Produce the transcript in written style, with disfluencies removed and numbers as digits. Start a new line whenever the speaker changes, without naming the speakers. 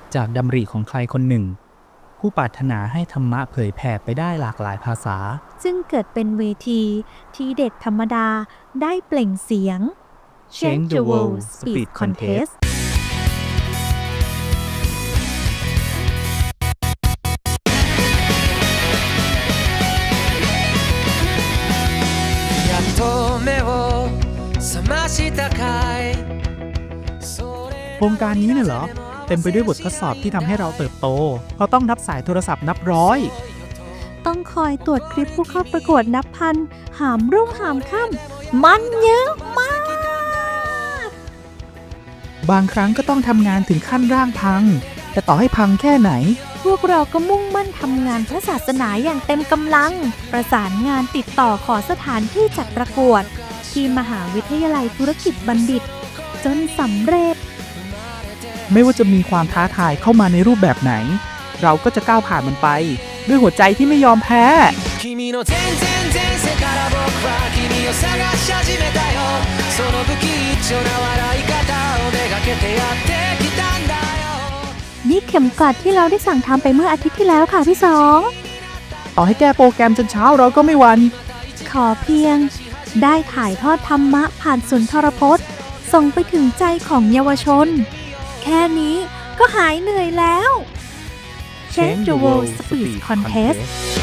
จากดำริของใครคนหนึ่งผู้ปรารถนาให้ธรรมะเผยแผ่ไปได้หลากหลายภาษา
ซึ่งเกิดเป็นเวทีที่เด็กธรรมดาได้เปล่งเสียง
Change the World Speed Contest โครงการนี้เนี่ยเหรอเต็มไปด้วยบททดสอบที่ทำให้เราเติบโตเพราะต้องนับสายโทรศัพท์นับร้อย
ต้องคอยตรวจคลิปผู้เข้าประกวดนับพันหามรุ่งหามค่ำมันเยอะมาก
บางครั้งก็ต้องทำงานถึงขั้นร่างพังแต่ต่อให้พังแค่ไหน
พวกเราก็มุ่งมั่นทำงานพระศาสนาอย่างเต็มกำลังประสานงานติดต่อขอสถานที่จัดประกวดที่มหาวิทยาลัยธุรกิจบัณฑิตจนสำเร็จ
ไม่ว่าจะมีความท้าทายเข้ามาในรูปแบบไหนเราก็จะก้าวผ่านมันไปด้วยหัวใจที่ไม่ยอมแพ้
นี่เข็มกลัดที่เราได้สั่งทำไปเมื่ออาทิตย์ที่แล้วค่ะพี่สอง
ต่อให้แก้โปรแกรมจนเช้าเราก็ไม่หวั่น
ขอเพียงได้ถ่ายทอดธรรมะผ่านสุนทรพจน์ส่งไปถึงใจของเยาวชนแค่นี้ก็หายเหนื่อยแล้ว Change the World Speed Contest